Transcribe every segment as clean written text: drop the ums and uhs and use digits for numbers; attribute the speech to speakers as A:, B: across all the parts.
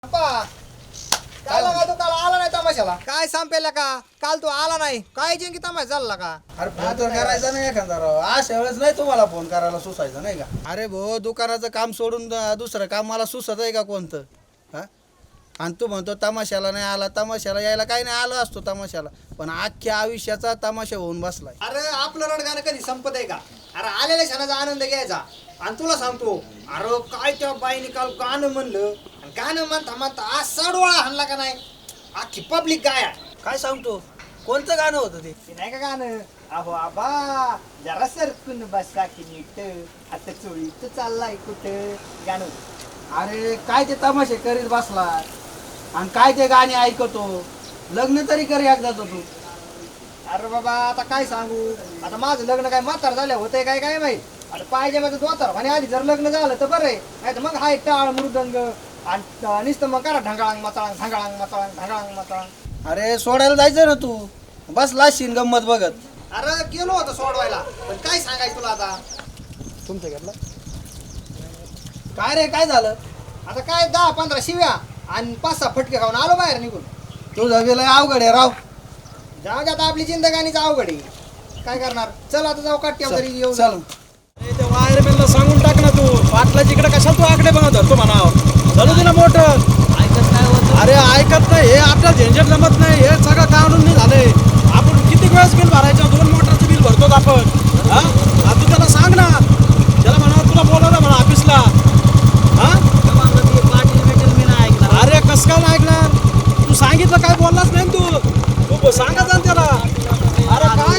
A: पप्पा, काल का तू काल आला नाही तमाशाला काय संपेल का काल तू आला नाही काय जिंकी तमाशा झाला का
B: अरे फोन तर करायचा नाही एखादा राव अशा वेळेस नाही तुम्हाला फोन करायला सुसायचं नाही का अरे भाऊ दुकानाचं काम सोडून दुसरं काम मला सुसत आहे का कोणतं हा आणि तू म्हणतो तमाशाला नाही आला तमाशाला यायला काही नाही आलो असतो तमाशाला पण अख्ख्या आयुष्याचा तमाशा होऊन बसलाय
A: अरे आपलं रणगाणं कधी संपत आहे का अरे आलेल्या क्षणाचा आनंद घ्यायचा आणि तुला सांगतो अरे काय त्या बाईने काल गाणं म्हणलं आणि गाणं म्हणता म्हणता असा डोळा हाणला का नाही अख्खी पब्लिक गाया
B: काय सांगतो कोणतं गाणं होतं ते
A: ते नाही का गाणं अहो आबा जरा सरकून बसा की नीट आता चोळीत चाललाय कुठं गाणं
B: अरे काय ते तमाशे करीत बसला आणि काय ते गाणे ऐकतो लग्न तरी कर एकदा तू
A: अरे बाबा आता काय सांगू आता माझं लग्न काय म्हातार झालं होतंय काय काय माहित आता पाहिजे माझं दोतार आणि आधी जर लग्न झालं तर बरं आहे नाही तर मग हाय टाळ मृदंग आणि नुसतं मग करा ढंगाळांग मचाळांग ढंगाळांग मचाळांग ढंगाळांग मचाळांग
B: अरे सोडायला जायचं ना तू बस लाशीन गंमत बघत
A: अरे गेलो होतो सोडवायला पण काय सांगायचं तुला आता
B: तुमच्या घेतला काय रे काय झालं
A: आता काय 10-15 शिव्या आणि 5-6 फटके खाऊन आलो बाहेर निघून
B: तुझं गेलं अवघड आहे राव
A: जाऊ दे आता आपली जिंदगानीच अवघड आहे काय करणार चल आता जाऊ काट्या तरी येऊ
B: चल
C: त्या वायरमॅनला सांगून टाक ना तू पाटला जिकडे कशाला तू आकडे बनवत धरतो म्हणाव चालू दे ना मोटर
B: ऐकत काय होत
C: अरे ऐकत नाही हे आपल्या झंझट जमत नाही हे सगळं काढून नाही झालंय आपण किती वेळेस बिल भरायचं 2 मोटरचं बिल भरतो आपण हा तू त्याला सांग ना त्याला म्हणा तुला बोलवलं म्हणा ऑफिसला हा अरे कस काय नाही ऐकणार तू सांगितलं काय बोललाच नाही ना तू सांगा जा त्याला अरे काय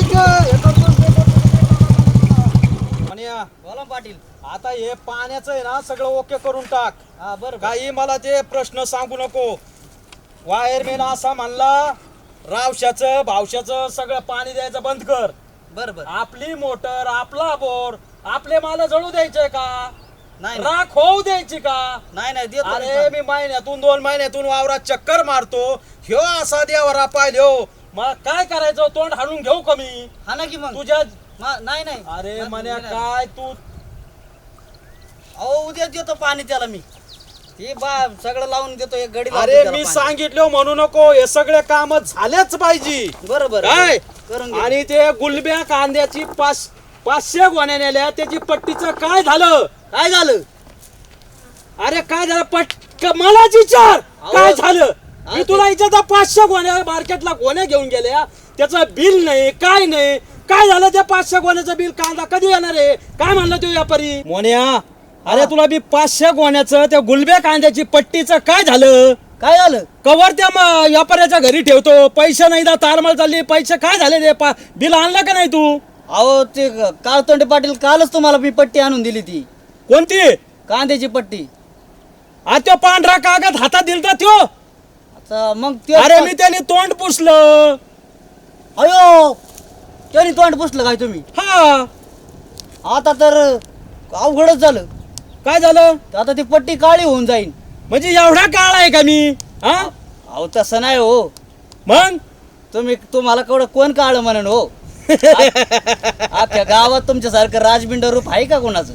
C: म्हणया
D: बोला पाटील.
C: आता हे पाण्याचं आहे ना सगळं ओके करून टाक
D: हा बरं
C: काही मला ते प्रश्न सांगू नको वायरमॅन असा म्हणला रावशाचं भावशाचं सगळं पाणी द्यायचं बंद कर
D: बरं बरं
C: आपली मोटर आपला बोर आपले माल जळू द्यायचे का
D: नाही
C: राख होऊ द्यायची का
D: नाही नाही देतो
C: अरे मी महिन्यातून 2 महिन्यातून वावरात चक्कर मारतो ह्यो असा देवरा पाहिलो मग काय करायचं तोंड हाणून घेऊ कमी
D: हा ना की मग
C: तुझ्या
D: नाही नाही
C: अरे म्हण्या काय तू
D: अहो उद्या देतो पाणी त्याला मी ते बा सगळं लावून देतो एक गडी
C: अरे मी सांगितलं म्हणू नको हे सगळे काम झालेच पाहिजे
D: बरोबर
C: काय
D: करून घे.
C: आणि ते गुलब्या कांद्याची 500 गोण्या नेल्या त्याची पट्टीचं काय झालं
D: काय झालं
C: अरे काय झालं पटक मला विचार काय झालं मी
D: अरे
C: तुला इच्छा 500 गोण्या मार्केटला गोण्या घेऊन गेल्या त्याचं बिल नाही काय झालं त्या 500 गोण्याचं बिल कांदा कधी येणार आहे काय म्हणलं तो व्यापारी मोन्या अरे तुला मी 500 गोण्याचं त्या गुलब्या कांद्याची पट्टीचं काय झालं
D: काय झालं
C: कवर त्या व्यापाऱ्याच्या घरी ठेवतो पैसे नाही दा तारमाळ चालली पैसे काय झाले ते बिल आणलं का नाही तू
D: अहो ते काळतोंडे पाटील कालच तुम्हाला मी पट्टी आणून दिली ती
C: कोणती
D: कांद्याची पट्टी
C: तो पांढरा कागद हातात दिलता त्यो
D: आता मग ते
C: अरे मी त्याने तोंड पुसलं
D: अयो त्याने तोंड पुसलं काय तुम्ही
C: हा
D: आता तर अवघडच झालं
C: काय झालं
D: आता ती पट्टी काळी होऊन जाईल
C: म्हणजे एवढा काळ आहे का मी हा
D: अहो तसं नाही हो
C: मग
D: तुम्हाला कोण काळ म्हणून हो अख्ख्या गावात तुमच्यासारखं राजबिंड रूप आहे का कोणाचं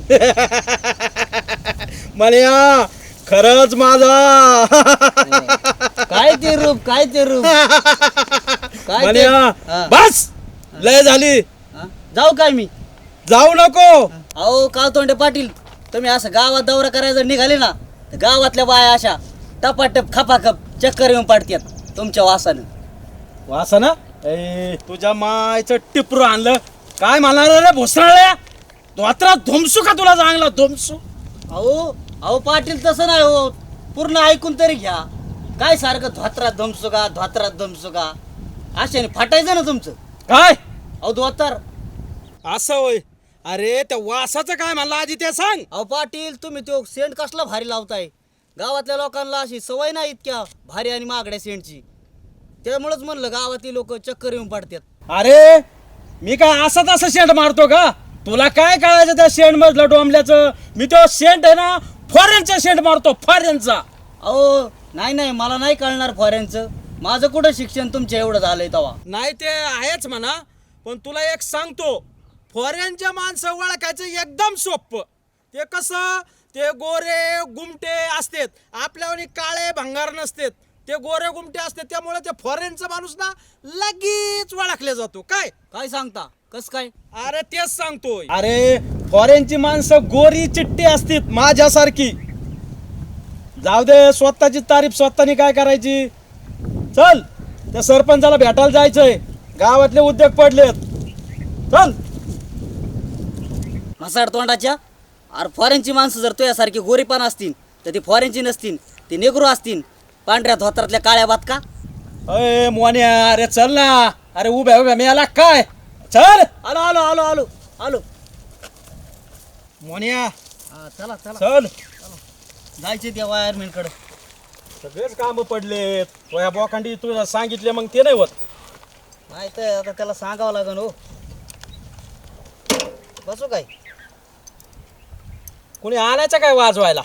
C: म्हण्या खरंच माझा
D: काय ते रूप काय ते
C: म्हण्या
D: हा.
C: बस लय झाली
D: हा? जाऊ काय मी
C: जाऊ नको
D: अहो काळतोंडे पाटील तुम्ही असं गावात दौरा करायला निघाले ना तर गावातल्या बाया अशा टपाटप खपाखप चक्कर येऊन पाडतात तुमच्या वासानं
C: वासना ए तुझ्या मायचं टिपरू आणलं काय म्हणणार रे भोसराळ्या धोत्रात धुमसू का तुला चांगला धुमसू
D: अहो पाटील तसं नाही हो पूर्ण ऐकून तरी घ्या काय सारखं धोत्रात धमसू का अशाने फाटायचं ना तुमचं
C: काय
D: अहो धोतर
C: असं होय अरे त्या वासाचं काय म्हणलं आधी ते सांग
D: अहो पाटील तुम्ही तो सेंट कसला भारी लावताय गावातल्या लोकांना अशी सवय नाही इतक्या भारी आणि महागड्या सेंटची त्यामुळेच म्हणलं गावातली लोक चक्कर येऊन पडतात
C: अरे मी काय असा तसा शेंट मारतो का तुला काय कळायचं त्या शेंट मधलं डोंबल्याचं मी तो शेंट आहे ना फॉरेनचा शेंट मारतो फॉरेनचा
D: अहो नाही मला नाही कळणार फॉरेनचं माझं कुठं शिक्षण तुमच्या एवढं झालंय तवा
C: नाही ते आहेच म्हणा पण तुला एक सांगतो फॉरेनच्या माणसं ओळखायचं एकदम सोपं ते कसं ते गोरे गुमटे असतात, आपल्यावानी काळे भंगार नसतात, ते गोरे गुमटे असतात. त्यामुळे ते फॉरेनचा माणूस ना लगेच ओळखले जातो. काय
D: काय सांगता कस काय?
C: अरे तेच सांगतोय. अरे फॉरेनची माणसं गोरी चिट्टी असतात माझ्यासारखी. जाऊ दे, स्वतःची तारीफ स्वतःनी काय करायची. चल त्या सरपंचाला भेटायला जायचंय, गावातले उद्योग पडलेत. चल.
D: मसाड तोंडाच्या. अरे फॉरेनची माणसं जर तुझ्यासारखी गोरीपान असतील तर ती फॉरेनची नसतील, ती नेग्रो असतील, पांढऱ्या धोत्रातल्या काळ्या बातका.
C: अय मोन्या, अरे चल ना. अरे उभ्या उभ्या मिळाला काय. चल.
D: आलो आलो आलो आलो आलो.
C: मोन्या
D: हा, चला चला
C: चल.
D: जायचे त्या वायरमॅन कडे.
C: सगळेच काम पडलेत. वया बोकांडी तुला सांगितले मग ते नाही होत.
D: नाही तर आता त्याला सांगावं लागेल. हो बसू काय?
C: कोणी आणायचं काय वाजवायला.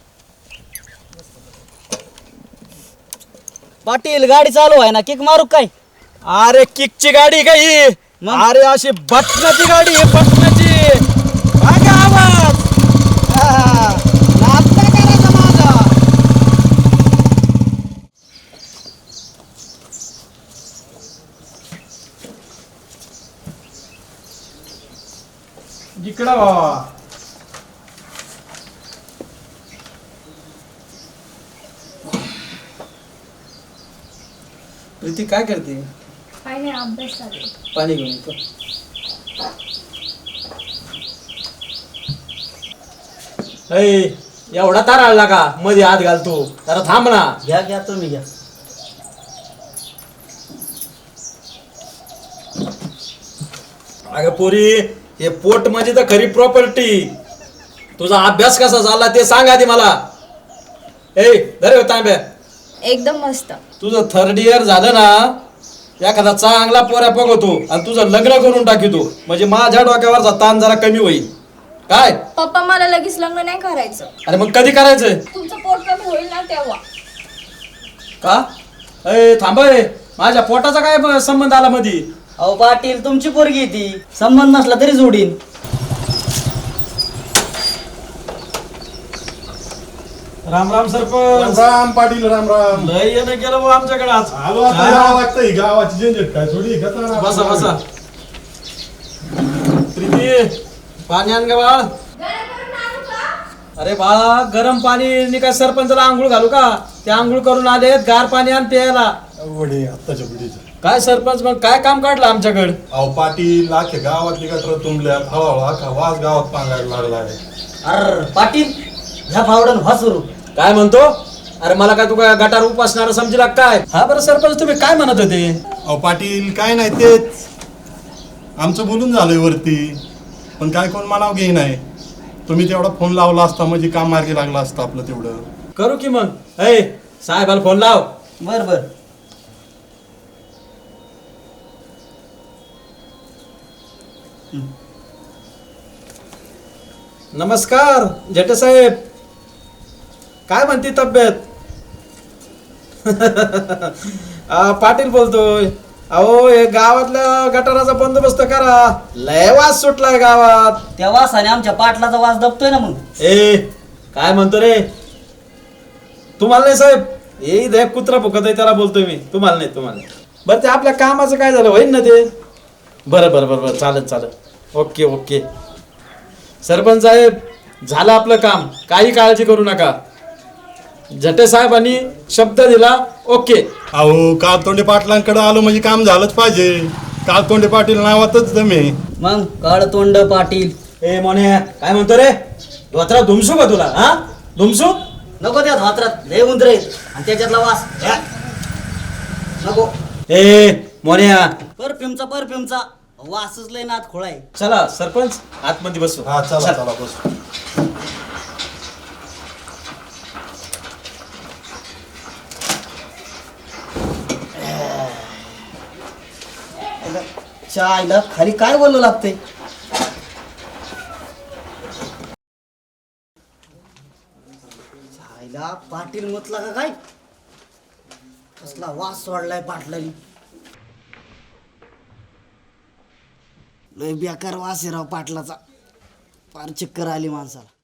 D: पाटील गाडी चालू आहे ना, किक मारू काय?
C: अरे किकची गाडी काही.
D: मग?
C: अरे अशी बटनाची गाडी आहे, बटनाची. काय गं आवाज.
D: नाश्ता करायचा माझा.
C: इकडं बाबा. प्रीती काय करते.
E: काय नाही, अभ्यास चालू आहे.
C: पाणी घेऊन येतो. एवढा तार आला का मध्ये हात घालतो. जरा थांब ना.
D: घ्या घ्या तुम्ही घ्या.
C: अगं पोरी, हे पोट म्हणजे तर खरी प्रॉपर्टी. तुझा अभ्यास कसा झाला ते सांग आधी मला. धरे तांब्या.
E: एकदम मस्त.
C: तुझं थर्ड इयर झालं ना, एखादा चांगला पोऱ्या बघतो आणि तुझं लग्न करून टाकितो, म्हणजे माझ्या डोक्यावरचा ताण जरा कमी होईल. काय
E: पप्पा, मला लगेच लग्न नाही करायचं.
C: अरे मग कधी करायचंय.
E: तुमचं पोट कमी होईल ना तेव्हा.
C: का थांब. माझ्या पोटाचा काय संबंध आला मधी.
D: अहो पाटील, तुमची पोरगी ती, संबंध नसला तरी जोडीन.
C: राम राम सरपंच.
F: राम पाटील, राम राम.
C: लय येणं गेलं बुवा आमच्याकडे आज.
F: आलो आता यावं लागतंय. गावाची झंझट काय थोडी खतरनाक.
C: बसा बसा. प्रीती पाणी आण ग बाळ. अरे बाळा, गरम पाणी काय सरपंचाला आंघोळ घालू का. ते आंघोळ करून आलेत, गार पाणी आण प्यायला.
F: वडे आत्ताच्या पिढीचं.
C: काय सरपंच, मग काय काम काढलं आमच्याकडे.
F: अहो पाटील, अख्ख्या गावातली गटर तुंबल्यात. हळूहळू अख्खा वास गावात पांगायला लागलाय.
D: अरे पाटील, ह्या फावडन व्हा सुरू.
C: काय म्हणतो. अरे मला काय तू काय गटार उपासणार समजीला काय. हा बरं सरपंच, तुम्ही काय म्हणत होते.
F: अहो पाटील, काय नाही तेच आमचं बोलून झालंय वरती, पण काय कोण मनाव घेई नाही. तुम्ही तेवढा फोन लावला असता म्हणजे काम मार्गी लागला असतं आपलं तेवढं.
C: करू की मग. साहेबाला फोन लाव.
D: बर बर.
C: नमस्कार जेठे साहेब. काय म्हणते तब्येत. पाटील बोलतोय. अहो हे गावातल्या गटाराचा बंदोबस्त करा, लय वास सुटलाय गावात.
D: त्या वासाने आमच्या पाटलाचा वास दबतोय ना. मग
C: काय म्हणतो रे. तुम्हाला नाही साहेब, हे कुत्रा फुकत आहे त्याला बोलतोय मी, तुम्हाला नाही. तुम्हाला बरं ते आपल्या कामाचं काय झालं होईल ना ते. बरं बरं बरं बरं, चालेल चालेल. Okay okay. सरपंच साहेब, झालं आपलं काम, काही काळजी करू नका. जटे साहेबांनी शब्द दिला. ओके.
F: अहो काळतोंडे पाटलांकडे आलो म्हणजे काम झालंच पाहिजे. काळतोंडे पाटील नावातच दमे.
D: मग काळतोंड पाटील.
C: मोने काय म्हणतो रे. धोत्रा धुमसू का तुला. हा धुमसू
D: नको त्या धोत्रात लय उंदर आहेत आणि त्याच्यातला वास नको.
C: मोन्या,
D: परफ्यूमचा वासच लय नात खोळाय.
C: चला सरपंच आतमध्ये बसू.
F: हा चला चला बस.
D: चायला खाली काय बोललं लागते. चायला पाटील म्हटला का काय. कसला वास सोडलाय पाटलानी. लय बेकार वास आहे राव पाटलाचा. फार चक्कर आली माणसाला.